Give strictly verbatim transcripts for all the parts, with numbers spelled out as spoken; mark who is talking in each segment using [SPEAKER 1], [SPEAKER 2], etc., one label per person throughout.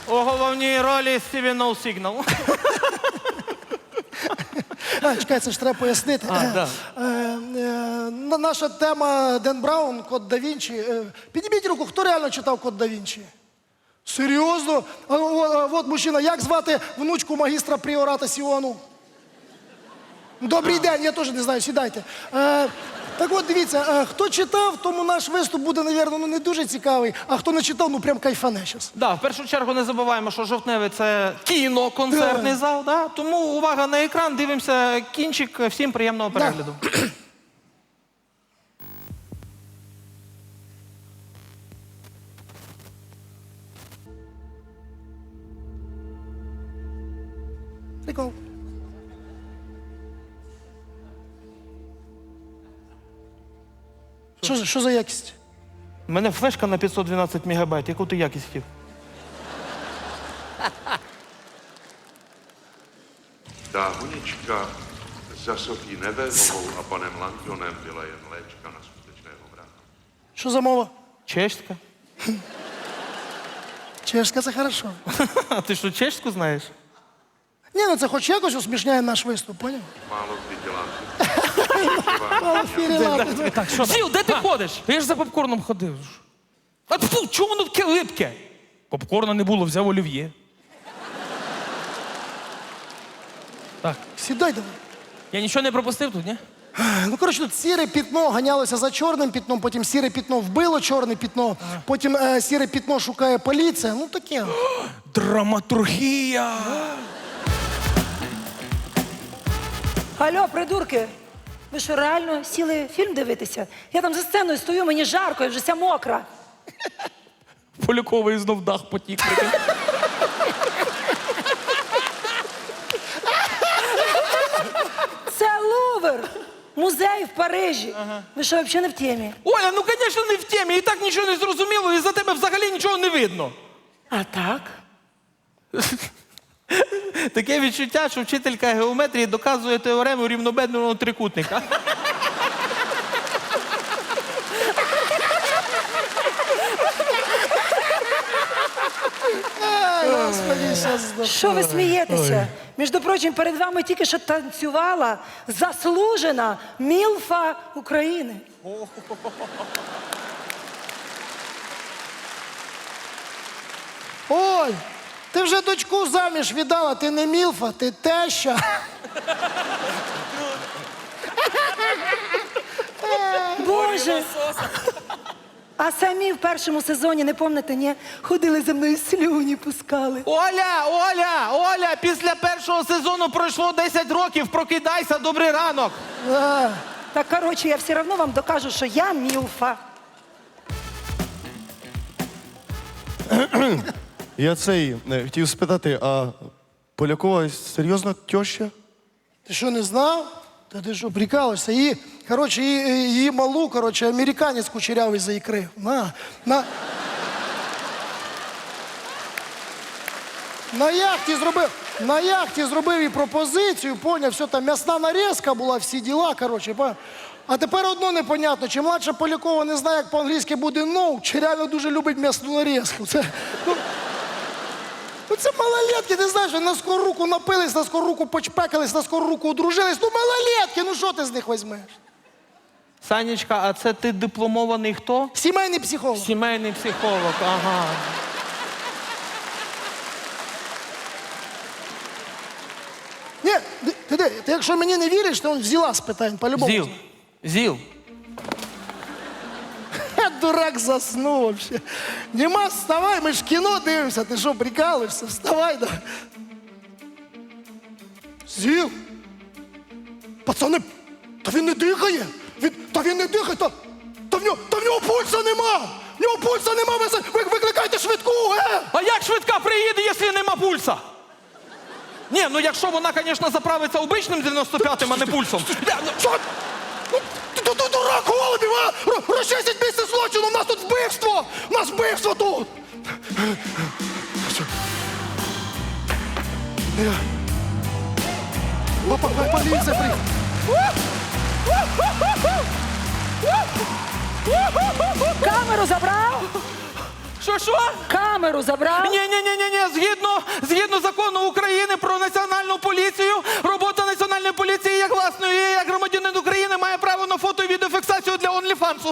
[SPEAKER 1] У головній ролі Стіві Ноу Сігнал.
[SPEAKER 2] А, чекай, це ж треба пояснити.
[SPEAKER 1] А, да.
[SPEAKER 2] Е, е, наша тема Ден Браун, Код да Вінчі. Е, підніміть руку, хто реально читав Код да Вінчі? Серйозно? А, о, а, от мужчина, як звати внучку магістра пріората Сіону? Добрий день, я теж не знаю, сідайте. Е, так от, дивіться, е, хто читав, тому наш виступ буде, мабуть, ну, не дуже цікавий, а хто не читав, ну прям кайфане зараз.
[SPEAKER 1] Да, в першу чергу не забуваємо, що жовтневий – це кіно, концертний
[SPEAKER 2] Да.
[SPEAKER 1] зал. Да? Тому увага на екран, дивимося кінчик. Всім приємного перегляду.
[SPEAKER 2] Прикол. Що, за- що за якість?
[SPEAKER 1] У мене флешка на п'ятсот дванадцять мегабайт. Яку ти якість хотів?
[SPEAKER 3] Ta honička za Sofí Nevehovou a panem Langdonem byla jen léčka na skutečného vraha.
[SPEAKER 2] Що за мова?
[SPEAKER 1] Чешська?
[SPEAKER 2] Чешська, це хорошо.
[SPEAKER 1] А ти що, чешську знаєш?
[SPEAKER 2] Ні, ну це хоч якось усмішняє наш виступ, поняв?
[SPEAKER 3] Málo kdy dělám.
[SPEAKER 2] Мало фірілати.
[SPEAKER 4] Так, що?
[SPEAKER 1] Зіл, де ти ходиш?
[SPEAKER 4] Та я ж за попкорном ходив.
[SPEAKER 1] А фу, чому воно таке липке?
[SPEAKER 4] Попкорна не було, взяв олів'є. Так,
[SPEAKER 2] Сідай давай.
[SPEAKER 4] я нічого не пропустив тут, ні?
[SPEAKER 2] Ну, коротше, тут сіре пітно ганялося за чорним пітном, потім сіре пітно вбило чорне пітно, потім е, сіре пітно шукає поліція. Ну, таке.
[SPEAKER 4] Драматургія!
[SPEAKER 5] Алло, придурки, ви що, реально сіли фільм дивитися? Я там за сценою стою, мені жарко, я вже вся мокра.
[SPEAKER 4] Поляковий знов дах потік.
[SPEAKER 5] Це Лувр, музей в Парижі. Ви що, взагалі не в темі?
[SPEAKER 1] Оля, ну, звісно, не в темі. І так нічого не зрозуміло, і за тебе взагалі нічого не видно.
[SPEAKER 5] А так?
[SPEAKER 1] Таке відчуття, що вчителька геометрії доказує теорему рівнобедного трикутника.
[SPEAKER 2] Ай, господи, щас здох.
[SPEAKER 5] Що ви смієтеся? Між прочим, перед вами тільки що танцювала заслужена мілфа України.
[SPEAKER 2] Оль, ти вже дочку заміж віддала, ти не мілфа, ти теща.
[SPEAKER 5] Боже! А самі в першому сезоні, не пам'ятаєте, ні? Ходили за мною слюні пускали.
[SPEAKER 1] Оля, Оля, Оля, після першого сезону пройшло десять років, прокидайся, добрий ранок.
[SPEAKER 2] А,
[SPEAKER 5] Так, коротше, я все одно вам докажу, що я мілфа.
[SPEAKER 6] Я цей е, хотів спитати, а Полякова серйозно тьоща?
[SPEAKER 2] ти що, не знав? Та ти що, прикалуєшся? Її, коротше, її, її малу, коротше, американець кучерявий заікрив. На, на... На яхті зробив, на яхті зробив їй пропозицію, поняв, все там м'ясна нарізка була, всі діла, коротше, поняв. А тепер одно непонятно, чи младша Полякова не знає, як по-англійськи буде no, чи реально дуже любить м'ясну нарізку. Це, ну, ну це малолетки, ти знаєш, на скору руку напились, на скору руку почпекались, на скору руку одружились. Ну малолетки, ну що ти з них візьмеш?
[SPEAKER 1] Санечка, а це ти дипломований хто?
[SPEAKER 2] Сімейний психолог.
[SPEAKER 1] Сімейний психолог, ага.
[SPEAKER 2] Ні, ти, ти, ти, ти якщо мені не віриш, то он взяла з питань, по-любому.
[SPEAKER 1] Зіл, Зіл.
[SPEAKER 2] Ха, дурак заснув вообще. Нема, вставай, ми ж кіно дивимося. Ти що, прикалуєшся? Вставай, да. Зіл. Пацани, та він не дихає. Він, та він не дихає, та, та, в нього, та в нього пульса нема. В нього пульса нема, ви, ви викликайте швидку, е!
[SPEAKER 1] А як швидка приїде, якщо нема пульса? Ні, ну якщо вона, звісно, заправиться обичним дев'яносто п'ятим, а не пульсом.
[SPEAKER 2] Що? Ну, ти, ти, ти дурак, Голубів, а? Ро- Розчистіть місце злочину, у нас тут вбивство! У нас вбивство тут! Папа, поліція приїхала.
[SPEAKER 5] Камеру забрав?
[SPEAKER 1] що, що?
[SPEAKER 5] Камеру забрав?
[SPEAKER 1] Ні, ні, ні, ні, ні. Згідно, згідно закону України про національну поліцію, робота національної поліції як власної, як громадянин України має право на фото і відеофіксацію для онліфансу.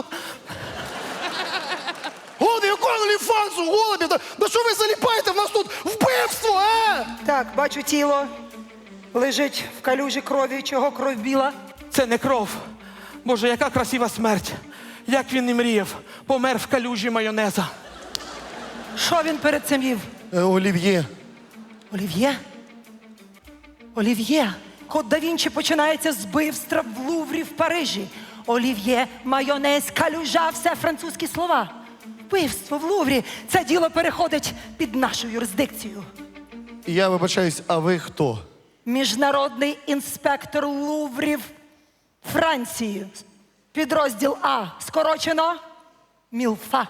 [SPEAKER 2] Голубі, якого ліфансу, голубі? Да, да що ви заліпаєте? В нас тут вбивство, е?
[SPEAKER 5] Так, бачу тіло. Лежить в калюжі крові. Чого кров біла?
[SPEAKER 1] Це не кров. Боже, яка красива смерть. Як він і мріяв. Помер в калюжі майонеза.
[SPEAKER 5] Що він перед цим їв?
[SPEAKER 6] Е, Олів'є.
[SPEAKER 5] Олів'є? Олів'є. Код да Вінчі починається з вбивства в Луврі в Парижі. Олів'є, майонез, калюжа – все французькі слова. Вбивство в Луврі. Це діло переходить під нашу юрисдикцію.
[SPEAKER 6] Я вибачаюсь, а ви хто?
[SPEAKER 5] Міжнародний інспектор Луврів Франції. Підрозділ А. Скорочено Мілфа.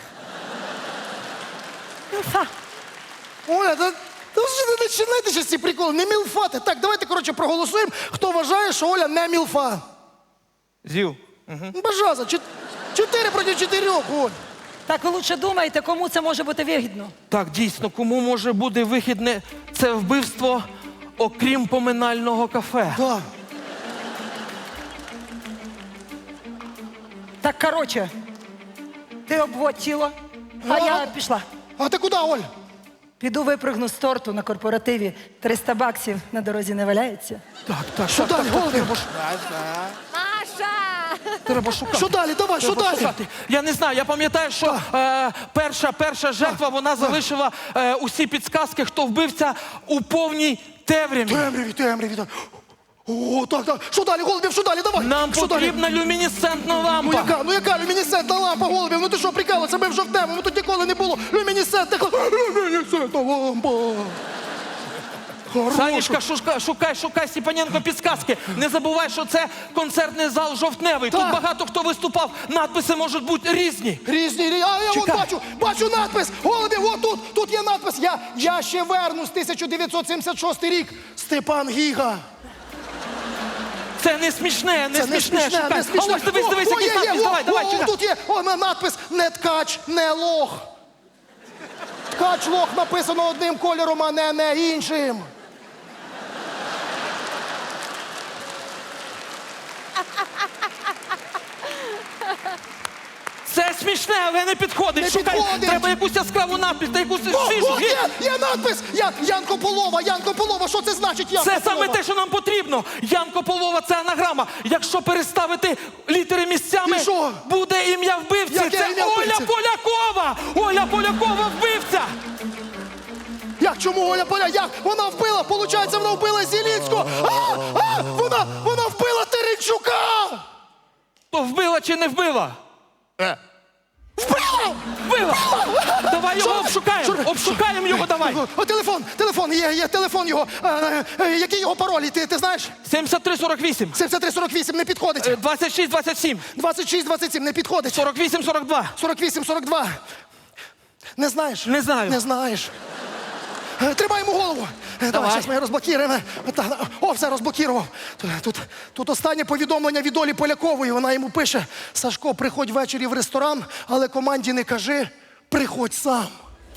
[SPEAKER 5] Мілфа.
[SPEAKER 2] Оля, да, да вже не починайте ще ці приколи, не мілфати. Так, давайте, коротше, проголосуємо, хто вважає, що Оля не мілфа.
[SPEAKER 1] Зів.
[SPEAKER 2] Бажаза, чот- чотири проти чотирьох, Оль.
[SPEAKER 5] Так ви лучше думайте, кому це може бути вигідно.
[SPEAKER 1] Так, дійсно, кому може бути вихідне це вбивство, окрім поминального кафе?
[SPEAKER 2] Да.
[SPEAKER 5] Так, коротше, ти обводь тіло, а я пішла.
[SPEAKER 2] А ти куди, Оль?
[SPEAKER 5] Піду випригну з торту на корпоративі. триста баксів на дорозі не валяється.
[SPEAKER 1] Так, так,
[SPEAKER 2] Що
[SPEAKER 1] так,
[SPEAKER 2] далі,
[SPEAKER 1] так, так,
[SPEAKER 2] голубі?
[SPEAKER 1] треба, ш- треба шукати.
[SPEAKER 2] Що далі? Давай, що
[SPEAKER 1] Треба
[SPEAKER 2] далі?
[SPEAKER 1] шукати. Я не знаю, я пам'ятаю, що е, перша, перша жертва, вона залишила е, усі підсказки, хто вбивця у повній темряві.
[SPEAKER 2] Темряві, темряві, так. О, так, так. Що далі, Голубів, що далі? Давай.
[SPEAKER 1] Нам
[SPEAKER 2] що далі?
[SPEAKER 1] потрібна люмінесцентна
[SPEAKER 2] Ну
[SPEAKER 1] лампа.
[SPEAKER 2] яка, ну яка люмінесцентна лампа, Голубів? Ну ти що, прикалуєшся? Ми вже в тему, ну тут ніколи не було люмінесцентних ламп. Люмінесцентна лампа.
[SPEAKER 1] Санечка, шукай, шукай, шукай, Степаненко, підсказки. Не забувай, що це концертний зал «Жовтневий». Тут
[SPEAKER 2] Так.
[SPEAKER 1] багато хто виступав, надписи можуть бути різні.
[SPEAKER 2] Різні, різні. А я от
[SPEAKER 1] Чекай.
[SPEAKER 2] бачу, бачу надпис. Голубів, от тут, тут є надпис. Я, я ще вернусь, тисяча дев'ятсот сімдесят шостий рік. Степан Гіга.
[SPEAKER 1] Це не смішне, не
[SPEAKER 2] Це не
[SPEAKER 1] смішне.
[SPEAKER 2] смішне,
[SPEAKER 1] Шукай.
[SPEAKER 2] не смішне.
[SPEAKER 1] А ось дивись, дивись,
[SPEAKER 2] О, о,
[SPEAKER 1] якийсь
[SPEAKER 2] є, є,
[SPEAKER 1] надпис.
[SPEAKER 2] о,
[SPEAKER 1] Давай, давай,
[SPEAKER 2] о,
[SPEAKER 1] чекай.
[SPEAKER 2] тут є о, на- надпис «Не ткач, не лох». Ткач, лох написано одним кольором, а не, не іншим.
[SPEAKER 1] Це смішне, але не підходить.
[SPEAKER 2] Не
[SPEAKER 1] Шукай.
[SPEAKER 2] підходить.
[SPEAKER 1] Треба якусь яскраву надпис та якусь
[SPEAKER 2] О,
[SPEAKER 1] свіжу.
[SPEAKER 2] о, є, є надпис! Я, Янко Полова, Янко Полова, що це значить Янко
[SPEAKER 1] Це
[SPEAKER 2] Полова?
[SPEAKER 1] саме те, що нам потрібно. Янко Полова – це анаграма. Якщо переставити літери місцями,
[SPEAKER 2] І що?
[SPEAKER 1] буде ім'я вбивці.
[SPEAKER 2] Яке
[SPEAKER 1] Це
[SPEAKER 2] ім'я
[SPEAKER 1] Оля
[SPEAKER 2] вбивці?
[SPEAKER 1] Полякова. Оля Полякова вбивця.
[SPEAKER 2] Як, чому Оля Поля? Як? Вона вбила, получається, вона вбила Зілінського. А, а, вона, вона вбила Теренчука!
[SPEAKER 1] То вбила чи не вбила?
[SPEAKER 2] Вбила!
[SPEAKER 1] Вбила. Давай його
[SPEAKER 2] Що?
[SPEAKER 1] обшукаємо.
[SPEAKER 2] Що?
[SPEAKER 1] Обшукаємо його, давай.
[SPEAKER 2] О, телефон, телефон, є, є телефон його. Е, е, який його пароль, ти, ти знаєш?
[SPEAKER 1] сімдесят три сорок вісім.
[SPEAKER 2] сімдесят три сорок вісім не підходить.
[SPEAKER 1] Е, двадцять шість двадцять сім.
[SPEAKER 2] двадцять шість двадцять сім не підходить.
[SPEAKER 1] сорок вісім сорок два.
[SPEAKER 2] сорок вісім сорок два. Не знаєш?
[SPEAKER 1] Не знаю.
[SPEAKER 2] Не знаєш. Е, Тримай йому голову. Е, Давай,
[SPEAKER 1] Давай.
[SPEAKER 2] зараз ми розблокуємо. Та, О, все, розблокував. Тут, тут, тут останнє повідомлення від Олі Полякової. Вона йому пише: Сашко, приходь ввечері в ресторан, але команді не кажи, приходь сам.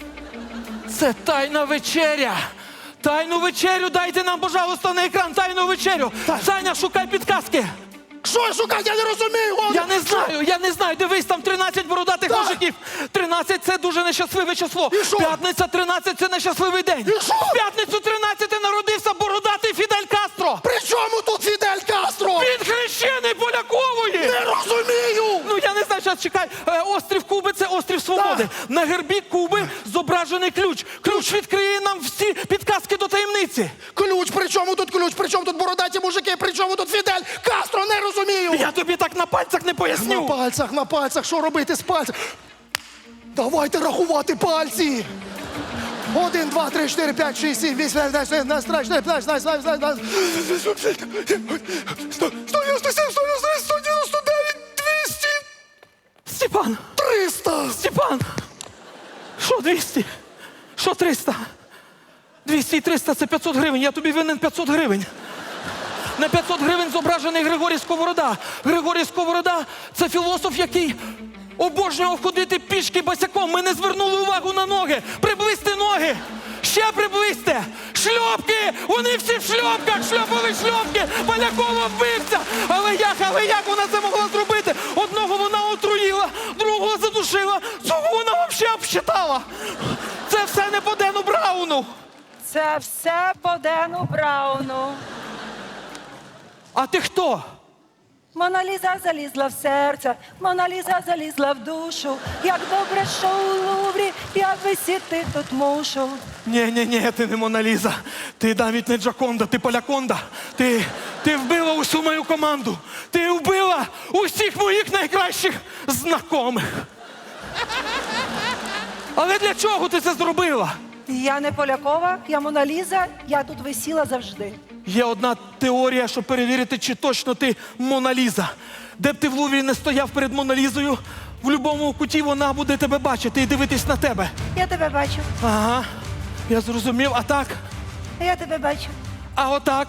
[SPEAKER 1] Це тайна вечеря. Тайну вечерю дайте нам, пожалуйста, на екран. Тайну вечерю.
[SPEAKER 2] Так.
[SPEAKER 1] Саня, шукай підказки.
[SPEAKER 2] Що шукати? Я не розумію. Оля.
[SPEAKER 1] Я не знаю, я не знаю. Дивись, там тринадцять бородатих
[SPEAKER 2] Так.
[SPEAKER 1] мужиків. тринадцять – це дуже нещасливе число.
[SPEAKER 2] І що?
[SPEAKER 1] П'ятниця тринадцять – це нещасливий день.
[SPEAKER 2] І що?
[SPEAKER 1] В п'ятницю тринадцять народився бородатий Фідель Кастро.
[SPEAKER 2] При чому тут Фідель Кастро?
[SPEAKER 1] Він хрещений Полякової.
[SPEAKER 2] Не розумію.
[SPEAKER 1] Ну, я не знаю, зараз чекай. Е, острів Куби – це острів Свободи.
[SPEAKER 2] Так.
[SPEAKER 1] На гербі Куби зображений ключ. Ключ відкриє нам всі підказки до таємниці.
[SPEAKER 2] Ключ, при чому тут ключ? При чому тут бородаті мужики? При чому тут Фідель Кастро? Не розумію.
[SPEAKER 1] Я тобі так на пальцях не
[SPEAKER 2] На
[SPEAKER 1] поясню.
[SPEAKER 2] пальцях, на пальцях, що робити з пальцем? Давайте рахувати пальці. Один, два, три, чотири, п'ять, шість, сім, вісім, дев'ять, десять, одинадцять, тринадцять, п'ятнадцять, шістнадцять, сімнадцять, сто дев'яносто сім, сто дев'яносто дев'ять, сто дев'яносто дев'ять, двісті,
[SPEAKER 1] Степан,
[SPEAKER 2] триста.
[SPEAKER 1] Степан. Що двісті? Що триста? двісті і триста – це п'ятсот гривень. Я тобі винен п'ятсот гривень. На п'ятсот гривень зображений Григорій Сковорода. Григорій Сковорода – це філософ, який обожнював ходити пішки босяком. Ми не звернули увагу на ноги. Приблизьте ноги. Ще приблизьте. Шльопки. Вони всі в шльопках. Шльопали шльопки. Полякова вбивця. Але як, але як вона це могла зробити? Одного вона отруїла, другого задушила, цього вона взагалі обсчитала. Це все не по Дену Брауну.
[SPEAKER 5] Це все по Дену Брауну.
[SPEAKER 1] А ти хто?
[SPEAKER 5] Мона Ліза залізла в серце, Мона Ліза залізла в душу. Як добре, що у Луврі, я висіти тут мушу.
[SPEAKER 1] Ні, ні, ні, ти не Мона Ліза. Ти навіть не Джаконда, ти Поляконда. Ти, ти вбила усю мою команду. Ти вбила усіх моїх найкращих знайомих. Але для чого ти це зробила?
[SPEAKER 5] Я не Полякова, я Мона Ліза, я тут висіла завжди.
[SPEAKER 1] Є одна теорія, щоб перевірити, чи точно ти Мона Ліза. Де б ти в Луврі не стояв перед Мона Лізою, в будь-якому куті вона буде тебе бачити і дивитись на тебе.
[SPEAKER 5] Я тебе бачу,
[SPEAKER 1] Ага, я зрозумів. А так?
[SPEAKER 5] я тебе бачу.
[SPEAKER 1] А отак?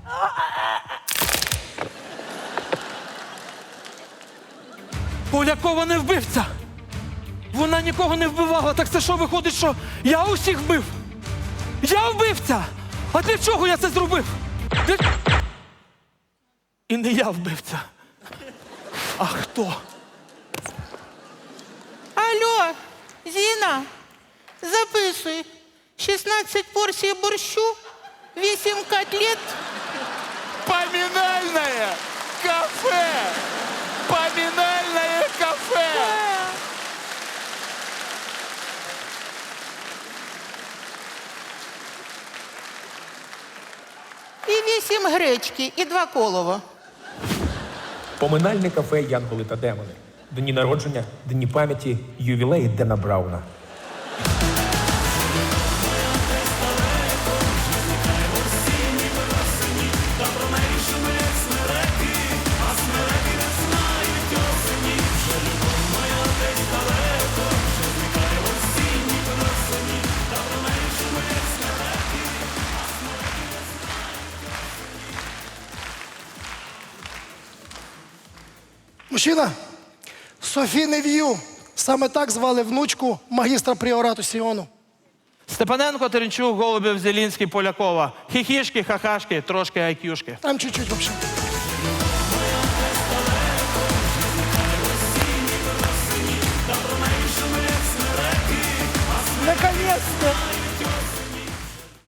[SPEAKER 1] Полякова не вбивця. Вона нікого не вбивала. Так це що виходить, що я усіх вбив? Я вбивця! А для чого я це зробив? Для... І не я вбивця. А хто?
[SPEAKER 7] Алло, Зіна, записуй. шістнадцять порцій борщу, вісім котлет.
[SPEAKER 1] Поминальное кафе! Поминальное кафе!
[SPEAKER 7] І вісім гречки, і два колова.
[SPEAKER 8] Поминальне кафе «Янголи та демони». Дні народження, дні пам'яті, ювілеї Дена Брауна.
[SPEAKER 2] Мужчина, Софі Нев'ю. Саме так звали внучку магістра пріорату Сіону.
[SPEAKER 1] Степаненко, Теренчук, Голубів, Зелінський, Полякова. Хіхішки, хахашки, трошки айкюшки.
[SPEAKER 2] Там чуть-чуть вообще.
[SPEAKER 5] Наконец-то!